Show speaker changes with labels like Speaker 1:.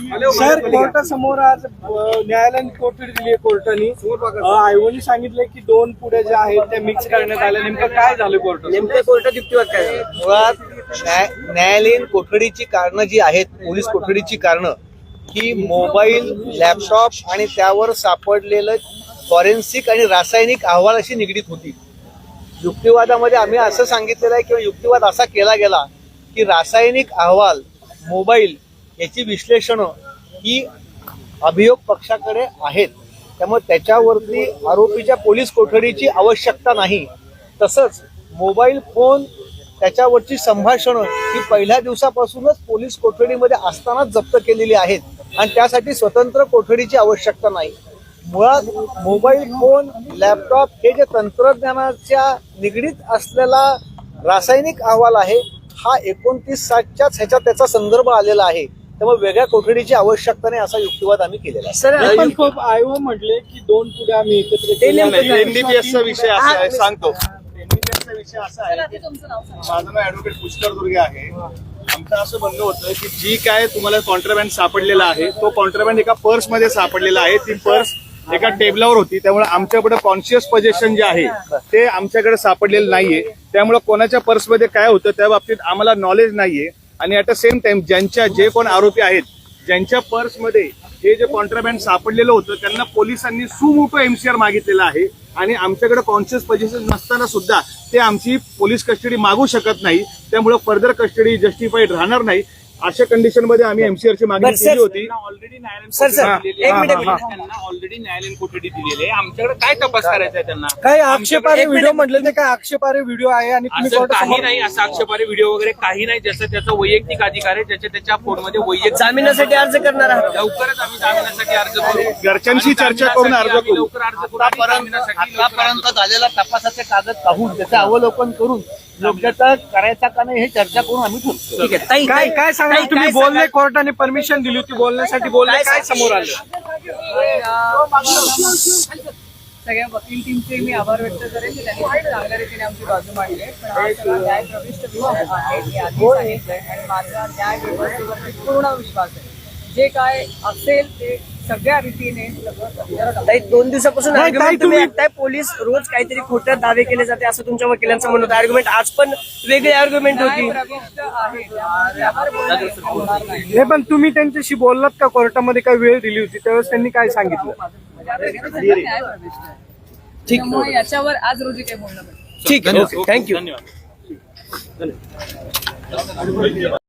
Speaker 1: Sir कोर्टासमोर आज न्यायालयाने कोठडी दिली आहे कोर्टाने. आयोगाने सांगितलंय की दोन पुढे ज्या आहेत त्या मिक्स करण्यात आल्या. नेमकं काय झालं कोर्टात?
Speaker 2: नेमकं कोर्टात युक्तिवाद काय झाला?
Speaker 3: मुळात न्यायालयीन कोठडीची कारणं जी आहेत, पोलीस कोठडीची कारणं ही मोबाईल, लॅपटॉप आणि त्यावर सापडलेलं फॉरेन्सिक आणि रासायनिक अहवाल अशी निगडीत होती. युक्तिवादामध्ये आम्ही असं सांगितलेलं आहे किंवा युक्तिवाद असा केला गेला की रासायनिक अहवाल, मोबाईल याची विश्लेषणं ही अभियोग पक्षाकडे आहेत, त्यामुळे त्याच्यावरती आरोपीच्या पोलीस कोठडीची आवश्यकता नाही. तसंच मोबाईल फोन, त्याच्यावरची संभाषणं ही पहिल्या दिवसापासूनच पोलीस कोठडीमध्ये असतानाच जप्त केलेली आहेत आणि त्यासाठी स्वतंत्र कोठडीची आवश्यकता नाही. मुळात मोबाईल फोन, लॅपटॉप हे जे तंत्रज्ञानाच्या निगडीत असलेला रासायनिक अहवाल आहे हा 29/7च्याच ह्याच्यात त्याचा संदर्भ आलेला आहे, त्यामुळे वेगळ्या कोठडीची आवश्यकता नाही असा युक्तिवाद आम्ही केलेला आहे.
Speaker 1: सर आयोग म्हटले की दोन पुढे आम्ही एकत्र
Speaker 4: एनडीपीएसचा विषय असा आहे, सांगतो. एनडीपीएसचा विषय असा आहे की माझं नाव ऍडव्होकेट पुष्कर दुर्गे आहे. आमचं असं म्हणणं होतं की जी काय तुम्हाला कॉन्ट्राबँड सापडलेला आहे तो कॉन्ट्राबँड एका पर्समध्ये सापडलेला आहे. ती पर्स एका टेबलावर होती, त्यामुळे आमच्याकडे कॉन्शियस पोझिशन जे आहे ते आमच्याकडे सापडलेलं नाहीये. त्यामुळे कोणाच्या पर्समध्ये काय होतं त्या बाबतीत आम्हाला नॉलेज नाहीये. आणि ॲट द सेम टाइम जे कोण आरोपी आहेत, ज्यांच्या पर्समध्ये हे जे कॉन्ट्राबँड सापडलेलं होतं त्यांना पोलिसांनी सुमोटो एमसीआर मागितलेला आहे आणि आमच्याकडे कॉन्शियस पोझिशन नसताना सुद्धा ते आमची पोलीस कस्टडी मागू शकत नाही. त्यामुळे फर्दर कस्टडी जस्टिफाईड राहणार नाही. अशा कंडिशन मध्ये आम्ही एमसीआरची मागणी केली होती.
Speaker 2: ऑलरेडी न्यायालयीन
Speaker 5: ऑलरेडी न्यायालयीन कोठडी दिलेली आहे. आमच्याकडे काय तपास करायचा आहे त्यांना?
Speaker 1: काही आक्षेपार्ह व्हिडिओ म्हटले ते काय आक्षेपार्ह व्हिडिओ आहे आणि तुम्ही
Speaker 5: असं काही
Speaker 1: कोर्टासमोर
Speaker 5: नाही, असं आक्षेपार्ह व्हिडिओ वगैरे काही नाही. ज्याचा त्याचा वैयक्तिक अधिकार आहे, ज्याच्या त्याच्या फोनमध्ये वैयक्तिक
Speaker 2: जामिनासाठी अर्ज करणार आहात?
Speaker 5: लवकरच आम्ही जामिनासाठी अर्ज करू.
Speaker 4: घरच्यांशी चर्चा करून अर्ज
Speaker 5: आम्ही
Speaker 4: करू.
Speaker 5: लवकर अर्ज करू आणि जामिनासाठी लवकर अर्ज
Speaker 3: आतापर्यंत झालेला तपासाचे कागद पाहून त्याचं अवलोकन करून योग्यता करायचा का नाही हे चर्चा करून आम्ही ठरतो.
Speaker 2: ठीक आहे. ताई,
Speaker 1: काय काय सांगा
Speaker 2: ताई,
Speaker 1: तुम्ही
Speaker 2: काय
Speaker 1: बोलले,
Speaker 2: सांगाल?
Speaker 1: कोर्टाने परमिशन दिली होती बोलण्यासाठी, बोलले काय समोर आलं?
Speaker 6: सगळ्या वकील टीमचे मी आभार व्यक्त करेन की त्यांनी खूप चांगल्या रीतीने आमची बाजू मांडली आहे. पण हा सगळा न्यायप्रविष्ट विषय आहे, मी आधी सांगितलंय आणि माझा न्याय व्यवस्थेवरती पूर्ण विश्वास आहे. जे काय असेल ते सगळ्या रीतीने
Speaker 2: ताई, 2 दिवसापासून
Speaker 1: नाही,
Speaker 2: आर्ग्युमेंट
Speaker 1: ताई,
Speaker 2: तुम्ही
Speaker 1: तुम्ही-
Speaker 2: ऐकताय. पोलीस रोज काहीतरी खोटे दावे केले जाते असं तुमच्या वकिलांचं म्हणणं होतं. आर्ग्युमेंट आज पण वेगळी आर्ग्युमेंट होती.
Speaker 6: न्यायप्रविष्ट आहे, त्यामुळे त्यावर बोलणं होणार नाही.
Speaker 1: हे पण तुम्ही त्यांच्याशी बोललात का? कोर्टामध्ये काय वेळ दिली होती त्यावेळेस त्यांनी काय सांगितलं?
Speaker 6: न्यायप्रविष्ट आहे. त्यामुळे याच्यावर आज रोजी काही बोलणं नाही.
Speaker 2: ठीक आहे. थँक्यू.
Speaker 5: धन्यवाद.